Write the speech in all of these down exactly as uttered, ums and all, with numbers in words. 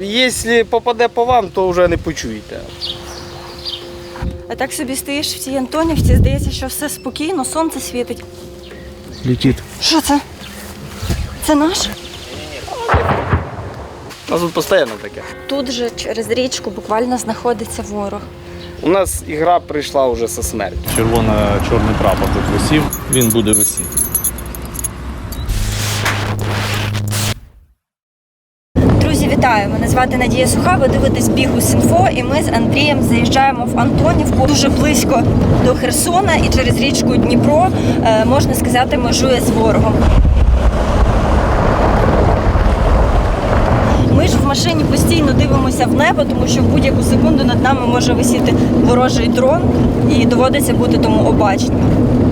Якщо попаде по вам, то вже не почуєте. А так собі стоїш в цій Антонівці, здається, що все спокійно, сонце світить. Летит. Що це? Це наш? У нас тут постійно таке. Тут же через річку буквально знаходиться ворог. У нас ігра прийшла вже зі смертю. Червоно-чорний прапор тут висів, він буде висіти. Друзі, вітаю! Мене звати Надія Суха, ви дивитесь Бігус.Інфо, і ми з Андрієм заїжджаємо в Антонівку дуже близько до Херсона, і через річку Дніпро, можна сказати, межує з ворогом. Ми ж в машині постійно дивимося в небо, тому що в будь-яку секунду над нами може висіти ворожий дрон, і доводиться бути тому обачним.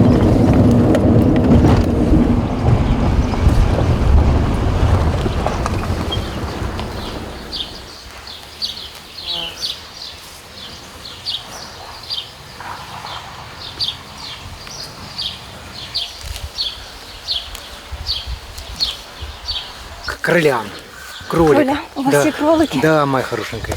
Кролям. Кролик. Кроля, у вас да. є кролики? Да, моя хорошенькая.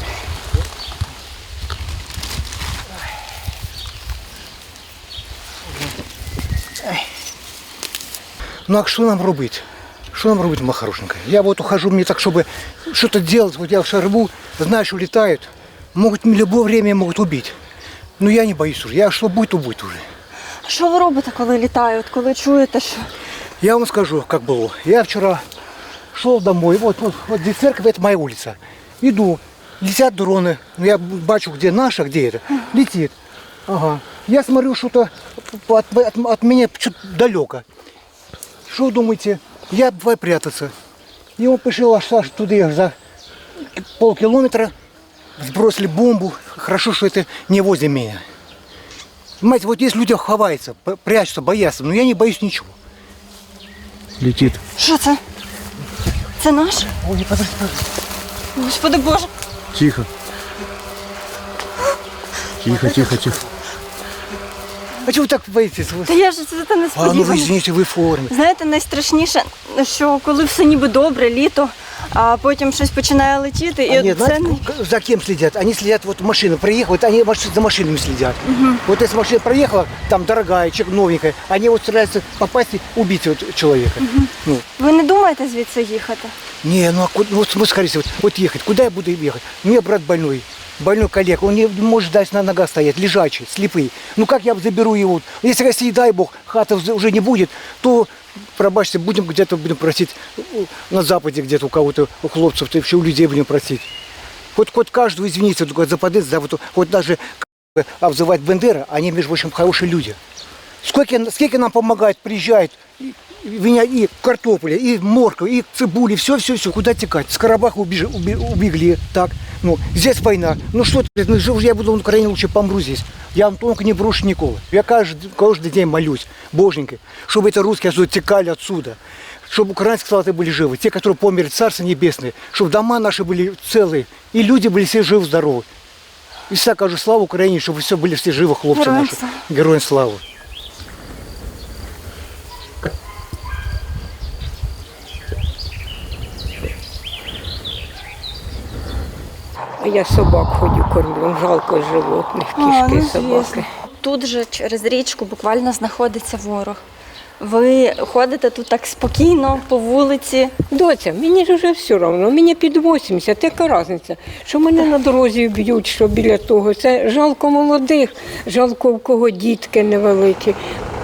Ну а что нам робить? Что нам робить, моя хорошенькая? Я вот ухожу, мне так, чтобы что-то делать, вот я в шарбу, знаю, что летают, могут в любое время могут убить. Но я не боюсь уже, я что будет, то будет уже. Що ви робите, коли літають, коли чуєте, що... Я вам скажу, как было. Я вчера шел домой, вот, вот, вот здесь церковь, это моя улица. Иду, летят дроны, я бачу, где наша, где это, летит. Ага. Я смотрю, что-то от, от, от меня что-то далеко. Что думаете? Я давай прятаться. И он пошел аж аж туда, за полкилометра, сбросили бомбу. Хорошо, что это не возле меня. Понимаете, вот есть люди ховаются, прячутся, боятся, но я не боюсь ничего. Летит. Що це? Це наш? Ой, подожди, подожди. Господи Боже. Тихо. Тихо, тихо, тихо. А чего вы так боитесь? Та я ж це не А, ну сподівалася. вы извините, вы в форме. Знаєте, найстрашніше, що коли все ніби добре, літо, а потім щось починає летіти, і Они, от це... знаете, за кем следят? Они следят, вот машина приехала, вот они маш- за машинами следят. Вот если машина проехала, там дорогая, чек новенькая, они вот стараются попасть и убить вот человека. Ну, Ви не думаєте звідси їхати? не, ну, а ку- ну вот смотрите, вот, вот ехать, куда я буду ехать? У меня брат больной, больной коллега, он не может дать на ногах стоять, лежачий, слепый. Ну как я заберу его? Если, если дай бог, хата вз- уже не будет, то, пробачьте, будем где-то будем просить на западе где-то у кого-то, у хлопцев, то вообще у людей будем просить. Хоть, хоть каждого, извините, только за подъезд, за вот, хоть даже как бы обзывать Бендера, они, между прочим, хорошие люди. Сколько, сколько нам помогает, приезжает, и, и, меня и картофеля, и морковь, и цибули, все-все-все, куда текать. С Карабаха убежи, уби, убегли, так, ну, здесь война. Ну что ты, ну, жив- я буду в Украине, лучше помру здесь. Я Антонка не брошу никого. Я каждый, каждый день молюсь, Боженька, чтобы это русские отсюда текали отсюда. Чтобы украинские солдаты были живы, те, которые померли, Царство Небесное, чтобы дома наши были целые, и люди были все живы-здоровы. И всегда кажу, слава Украине, чтобы все были все живы, хлопцы Героям наши. слава. Героям славы. А я собак ходю, кормлю, жалко животних, А, кішки, ну, собаки. звісно. Тут же через річку буквально знаходиться ворог. Ви ходите тут так спокійно, по вулиці. Доця, мені ж вже все одно, мені під вісімдесят, яка різниця, що мене на дорозі б'ють, що біля того. Це жалко молодих, жалко у кого дітки невеликі.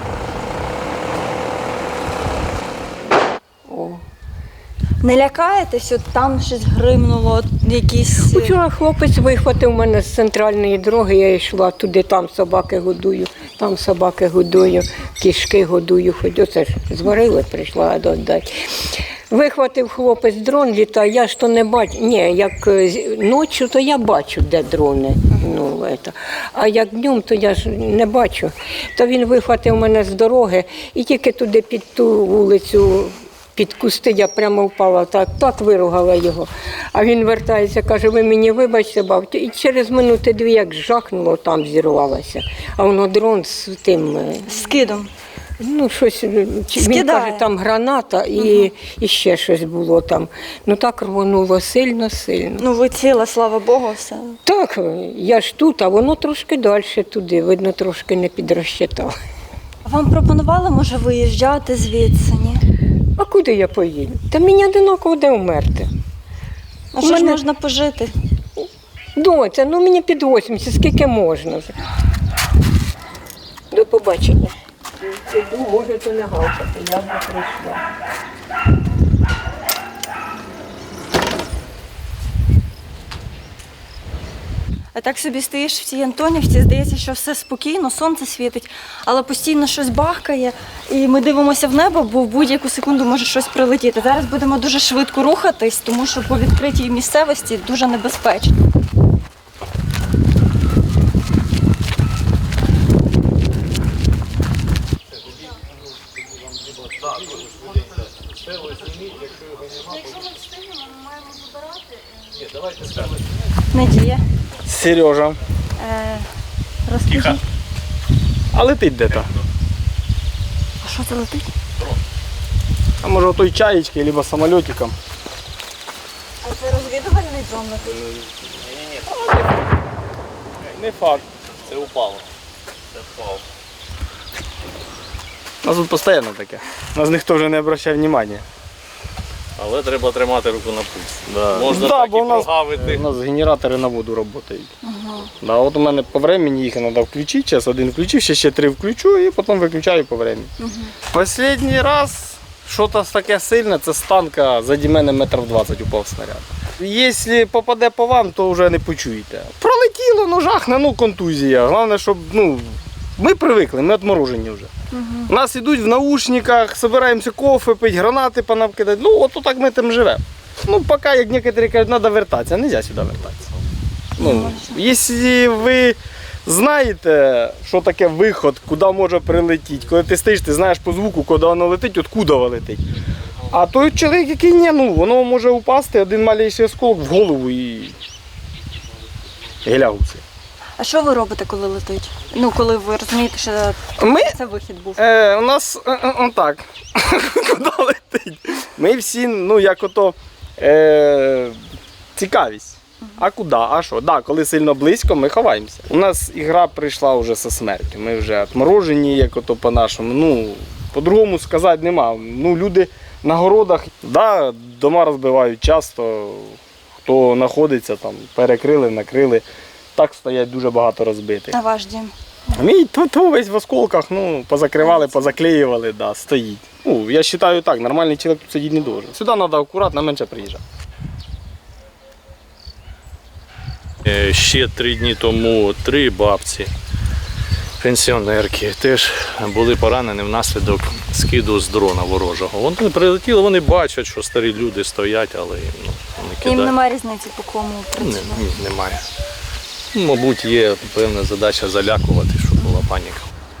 О. Не лякаєтесь, от там щось гримнуло, от якісь... Вчора хлопець вихватив мене з центральної дороги, я йшла туди, там собаки годую, там собаки годую, кішки годую, хоч оце ж зварили, прийшла додати. Вихватив хлопець дрон, літає, я ж то не бачу, ні, як е, ночі, то я бачу, де дрони, ну, это. А як днем, то я ж не бачу. То він вихватив мене з дороги і тільки туди під ту вулицю, під кусти я прямо впала, так, так виругала його. А він вертається, каже, ви мені вибачте, бабцю. І через минути дві, як жахнуло, там зірвалося. А воно дрон з тим... З скидом. Ну, щось, чи- він Скидає. каже, там граната і, і ще щось було там. Ну так рвонуло сильно-сильно. Ну ви ціла, слава Богу, все. Так, я ж тут, а воно трошки далі туди, видно, трошки не підрозчитав. Вам пропонували, може, виїжджати звідси, ні? А куди я поїду? Та мені одиноко де вмерти. А У що ж мене- можна пожити? Доця, ну мені під вісімдесят, скільки можна вже. До побачення. Піду, можете не гавкати, я вже прийшла. А так собі стоїш в цій Антонівці, здається, що все спокійно, сонце світить, але постійно щось бахкає, і ми дивимося в небо, бо в будь-яку секунду може щось прилетіти. Зараз будемо дуже швидко рухатись, тому що по відкритій місцевості дуже небезпечно. Надія, Сережа. е, розкажіть, А летить де-то. а що це летить? А може той чаєчки, або самольотиком. А це розвідувальний дрон летить? Не факт. Це упало. Це впало. У нас тут постійно таке. Нас ніхто вже не обращає уваги. Але треба тримати руку на пульс. Да. Можна Да, так бо і у нас, прогавити. у нас генератори на воду працюють. Да, от у мене по времени їх треба включити, зараз один включив, ще, ще три включу і потім виключаю по времени. Останній раз щось таке сильне, це з танка заді мене метрів двадцять упав снаряд. Якщо попаде по вам, то вже не почуєте. Пролетіло, ну жахне, ну контузія. Головне, щоб ну, ми привикли, ми відморожені вже. У нас йдуть в наушниках, збираємося кофе, пити, гранати понавкидати. Ну, от так ми там живемо. Ну, поки, як некоторі кажуть, треба вертатися, не можна сюди вертатися. Ну, якщо ви знаєте, що таке виход, куди може прилетіти, коли ти стоїш, ти знаєш по звуку, куди воно летить, от куди воно летить. А той чоловік, який ні, ну, воно може упасти, один маленький осколок в голову і гелягуси. А що ви робите, коли летить? Ну, коли ви розумієте, що Ми це вихід був? Е, у нас е, е, он так. Куди летить? Ми всі, ну як ото е, цікавість. А куди? А що? Да, коли сильно близько, ми ховаємося. У нас ігра прийшла вже зі смертю. Ми вже відморожені, як ото по-нашому. Ну, по-другому сказати нема. Ну, люди на городах, да, дома розбивають часто. Хто знаходиться там, перекрили, накрили. Так стоять дуже багато розбитих. На ваш дім. А мій то, то весь в осколках, ну, позакривали, позаклеювали, да, стоїть. Ну, я вважаю так, нормальний чоловік тут сидіти не дуже. Сюди треба акуратно, менше приїжджати. Е, Ще три дні тому три бабці, пенсіонерки, теж були поранені внаслідок скиду з дрона ворожого. Вони прилетіли, вони бачать, що старі люди стоять, але їм ну, вони Їм кидають. немає різниці, по кому Ні, працювати. ні, немає. Ну, мабуть, є певна задача залякувати, щоб була паніка.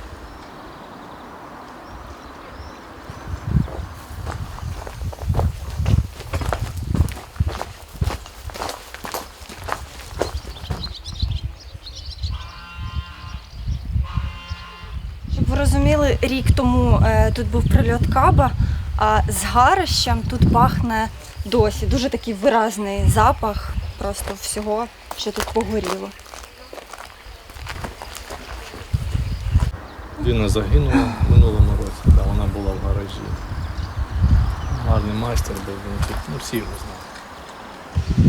Щоб ви розуміли, рік тому е, тут був прильот каба, а з гарищем тут пахне досі. Дуже такий виразний запах просто всього, що тут погоріло. Людина загинула в минулому році, та вона була в гаражі. Гарний майстер був, він тут, ну всі його знали.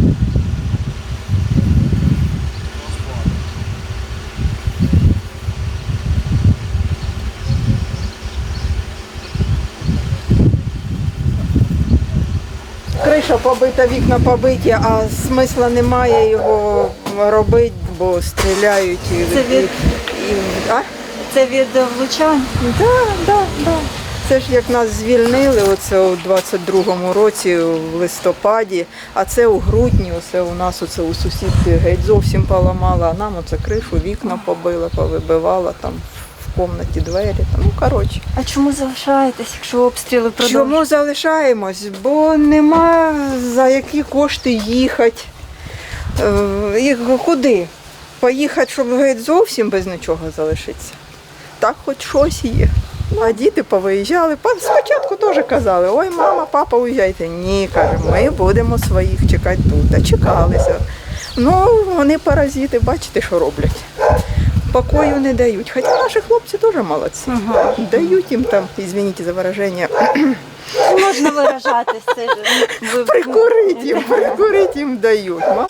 Криша побита, вікна побиті, а смисла немає його робити, бо стріляють. і- Це від- і- а? Це від влучань. Да, да, да. Це ж як нас звільнили, оце у двадцять другому році, в листопаді, а це у грудні, оце у нас оце у сусідки геть зовсім поламала, а нам оце кришу, вікна побила, повибивала там в кімнаті двері. Ну, коротше. А чому залишаєтесь, якщо обстріли продовжуються? Чому залишаємось? Бо нема за які кошти їхати. Е, І куди? Поїхати, щоб геть зовсім без нічого залишитися. Так хоч щось є. А діти повиїжджали. Па- Спочатку теж казали, ой, мама, папа, уїжджайте. Ні, каже, ми будемо своїх чекати тут. А чекалися. Ну, вони паразити, бачите, що роблять. Покою не дають. Хоча наші хлопці теж молодці. Дають їм там, извините за вираження, Можна виражатись. Це ж ви- прикурить їм, прикурить їм дають. Ма-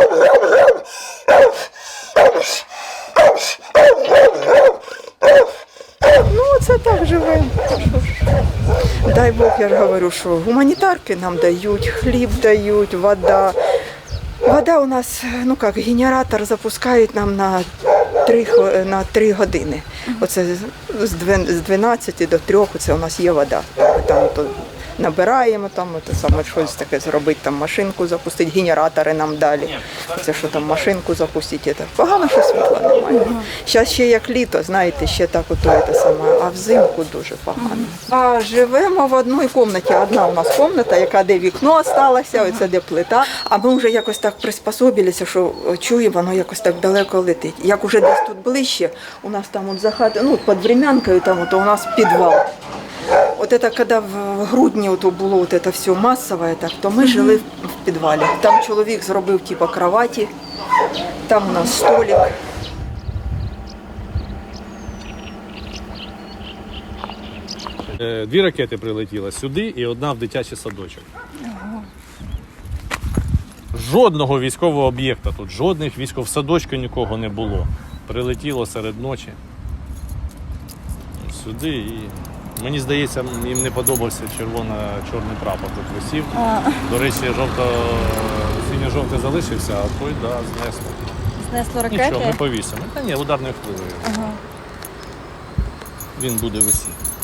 Ну, це так живемо. Дай Бог, я ж говорю, що гуманітарки нам дають, хліб дають, вода. Вода у нас, ну як, генератор запускають нам на три, хв- на три години. Оце з дві- з дванадцяти до трьох це у нас є вода. Ми там то набираємо, там це саме щось таке зробити, там машинку запустити, генератори нам далі. Це що там машинку запустити. Це погано, що світла немає. Зараз ще як літо, знаєте, ще так ото це саме, а взимку дуже погано. А живемо в одній кімнаті. Одна у нас кімната, яка де вікно залишилося, оце де плита. А ми вже якось так приспособилися, що чуємо, воно якось так далеко летить. Як уже десь тут ближче, у нас там от за хатою, ну під Врем'янкою, там от у нас підвал. Вот это когда в грудні ото було вот это все масове, так, то ми жили в в підвалі. Там чоловік зробив типу кроваті, там у нас столик. Е, Дві ракети прилетіли сюди і одна в дитячий садочок. Жодного військового об'єкта тут, жодних військових садочків нікого не було. Прилетіло серед ночі сюди і мені здається, їм не подобався червоно-чорний прапор тут висів. До речі, жовто синьо-жовтий залишився, а той да, знесло. Знесло ракети. Нічого, ми повісимо. Та ні, ударною хвилею. Він буде висіти.